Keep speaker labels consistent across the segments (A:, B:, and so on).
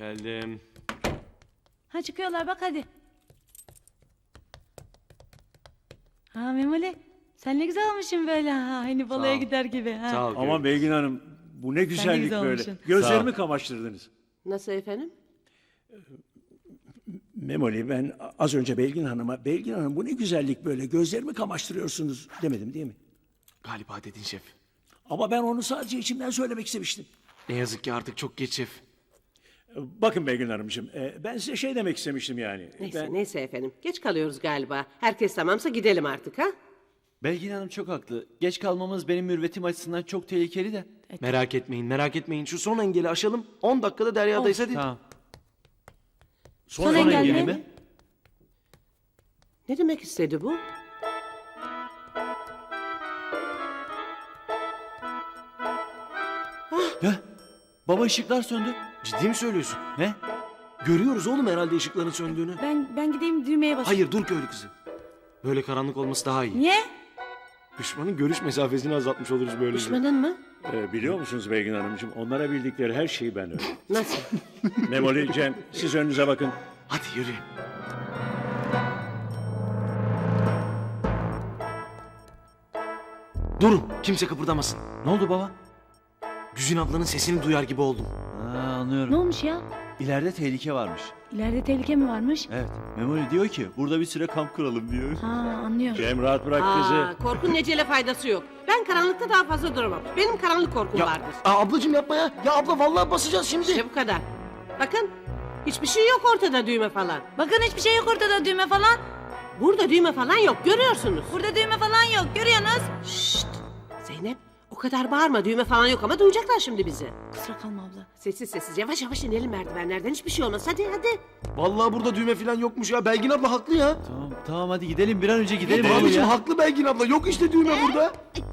A: Geldim.
B: Ha çıkıyorlar bak hadi. Ha Memoli sen ne güzel olmuşsun böyle ha. Hani balaya
A: ol.
B: gider gibi. Ha.
A: Sağ ol.
C: Aman Belgin Hanım, bu ne güzellik
B: güzel
C: böyle.
B: olmuşsun.
C: Gözlerimi kamaştırdınız.
D: Nasıl efendim?
C: Memoli, ben az önce Belgin Hanım'a, Belgin Hanım bu ne güzellik böyle, gözlerimi kamaştırıyorsunuz demedim değil mi?
A: Galiba dedin şef.
C: Ama ben onu sadece içimden söylemek istemiştim.
A: Ne yazık ki artık çok geç şef.
C: Bakın Belgin Hanımcığım, ben size şey demek istemiştim yani.
D: Neyse efendim. Geç kalıyoruz galiba. Herkes tamamsa gidelim artık ha?
E: Belgin Hanım çok haklı. Geç kalmamız benim mürvetim açısından çok tehlikeli de.
A: Merak etmeyin, merak etmeyin. Şu son engeli aşalım. 10 dakikada Derya'dayız hadi.
E: Tamam.
B: Son engel
E: engeli
B: mi?
D: Ne demek istedi bu?
E: Ya, baba ışıklar söndü.
A: Ciddi mi söylüyorsun?
E: Ne?
A: Görüyoruz oğlum herhalde ışıkların söndüğünü.
B: Ben gideyim düğmeye basayım.
A: Hayır dur köylü kızı. Böyle karanlık olması daha iyi.
B: Niye?
A: Düşmanın görüş mesafesini azaltmış oluruz böylece.
D: Düşmanın mı?
C: Biliyor musunuz Belgin Hanımcığım, onlara bildikleri her şeyi ben öğrendim.
D: Nasıl?
C: Memoli, Cem, siz önünüze bakın.
A: Hadi yürü. Durun, kimse kıpırdamasın.
E: Ne oldu baba?
A: Güzin ablanın sesini duyar gibi oldum.
E: Anlıyorum.
B: Ne olmuş ya?
E: İleride tehlike varmış.
B: İleride tehlike mi varmış?
E: Evet. Memoli diyor ki burada bir süre kamp kuralım diyor.
B: Ha anlıyorum.
C: Cem rahat bırak kızı.
D: Korkun necele faydası yok. Ben karanlıkta daha fazla duramam. Benim karanlık korkum vardır.
A: Ablacığım yapma ya. Ya abla vallahi basacağız şimdi.
D: İşte bu kadar. Bakın hiçbir şey yok ortada düğme falan.
B: Bakın hiçbir şey yok ortada düğme falan.
D: Burada düğme falan yok görüyorsunuz.
B: Burada düğme falan yok görüyorsunuz.
D: Şşt! Zeynep o kadar bağırma düğme falan yok ama duyacaklar şimdi bizi.
B: Kusura kalma abla.
D: Sessiz sessiz yavaş yavaş inelim merdivenlerden hiçbir şey olmaz hadi hadi.
A: Vallahi burada düğme falan yokmuş ya. Belgin abla haklı ya.
E: Tamam hadi gidelim bir an önce gidelim oğlum
A: Abicim
E: ya.
A: haklı Belgin abla. Yok işte düğme burada.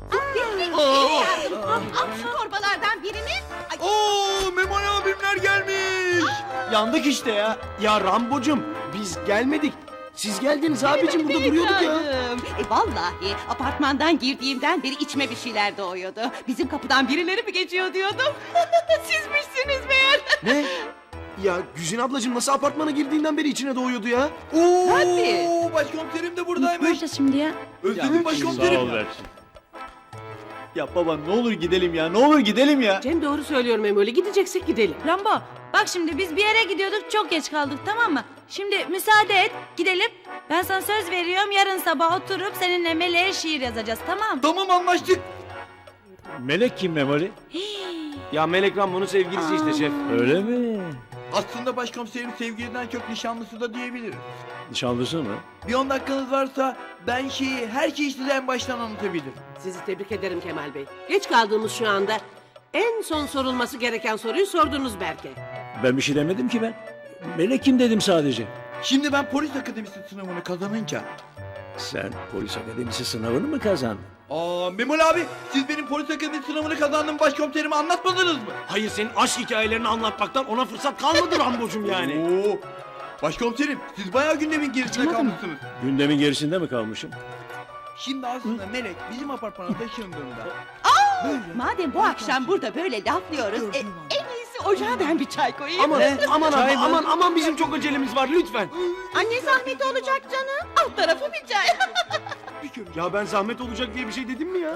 F: Şu torbalardan birini.
A: Oo Memoli abimler gelmiş.
E: Yandık işte ya.
A: Ya Rambocum biz gelmedik. Siz geldiniz abicim burada duruyorduk ya.
F: Vallahi apartmandan girdiğimden beri içime bir şeyler doğuyordu. Bizim kapıdan birileri mi geçiyor diyordum. Sizmişsiniz meğer.
A: Ne? Ya Güzin ablacığım nasıl apartmana girdiğinden beri içine doğuyordu ya?
F: Tabii.
E: Başkomiserim de
B: Ne yapacağız şimdi ya?
E: Özledim
C: Sağ ol Berçin.
E: Ya baba ne olur gidelim ya. Ne olur gidelim ya.
D: Cem doğru söylüyor Memoli gideceksek gidelim.
B: Rambo bak şimdi biz bir yere gidiyorduk çok geç kaldık tamam mı? Şimdi müsaade et gidelim. Ben sana söz veriyorum yarın sabah oturup seninle Melek'e şiir yazacağız tamam mı?
E: Tamam anlaştık.
C: Melek kim Memoli?
A: Ya Melek Rambo'nun sevgilisi işte şef.
C: Öyle mi?
G: Aslında başkomiserim sevgiliden çok nişanlısı da diyebiliriz.
C: Nişanlısı mı?
G: Bir 10 dakikanız varsa ben her şeyi size en baştan anlatabilirim.
D: Sizi tebrik ederim Kemal Bey. Geç kaldığımız şu anda en son sorulması gereken soruyu sordunuz belki.
C: Ben bir şey demedim ki ben. Melek kim dedim sadece.
G: Şimdi ben polis akademisi sınavını kazanınca...
C: Sen polis akademisi sınavını mı kazandın?
G: Memoli abi siz benim polis akademisi sınavını kazandığım başkomiserime anlatmadınız mı?
A: Hayır senin aşk hikayelerini anlatmaktan ona fırsat kalmadı Rambocum yani.
G: Oo, başkomiserim siz bayağı gündemin gerisinde kalmışsınız.
C: Gündemin gerisinde mi kalmışım?
G: Şimdi aslında Melek bizim apartmana taşındığında...
F: Madem bu akşam burada böyle laflıyoruz. En iyisi ocağa ben bir çay koyayım.
A: Aman abla aman bizim çok acelemiz var lütfen.
F: Anne zahmeti olacak canım. Alt tarafı bir çay.
A: Ya ben zahmet olacak diye bir şey dedim mi ya?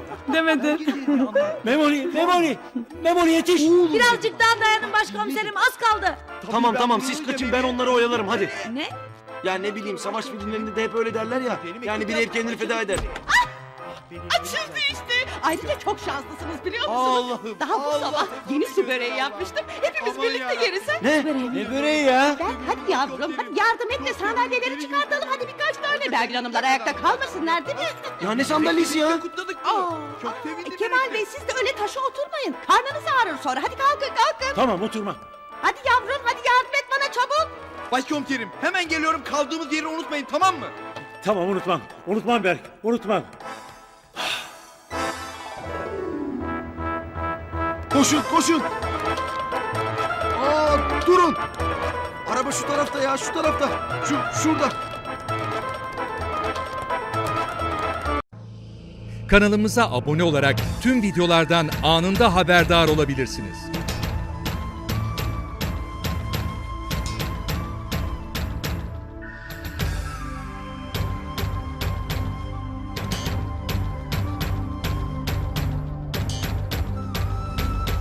C: Memoli yetiş.
B: Birazcık daha dayanın başkomiserim az kaldı.
A: Tamam siz kaçın ben onları oyalarım hadi.
B: Ne?
A: Ya ne bileyim savaş filmlerinde de hep öyle derler ya. Yani biri hep kendini feda eder.
F: Açıldı işte. Ayrıca çok şanslısınız biliyor musunuz? Daha bu sabah yeni su böreği yapmıştım. Hepimiz
G: Aman
F: birlikte
G: ya.
F: yeriz. Ha?
E: Ne böreği ya?
F: Hadi yavrum hadi yardım et de sandalyeleri çıkartalım. Hadi birkaç tane. Belgin Hanımlar ayakta kalmasınlar değil mi?
A: Ya ne sandalyesi ya?
G: Kutladık. Çok sevindim.
F: Kemal Bey siz de öyle taşa oturmayın. Karnınız ağrır sonra. Hadi kalkın.
C: Tamam oturma.
F: Hadi yavrum hadi yardım et bana çabuk.
G: Başkomiserim hemen geliyorum kaldığımız yeri unutmayın tamam mı?
C: Tamam unutmam. Unutmam Berk. Unutmam.
A: Koşun. Durun. Araba şu tarafta ya şu tarafta. Şurada.
H: Kanalımıza abone olarak tüm videolardan anında haberdar olabilirsiniz.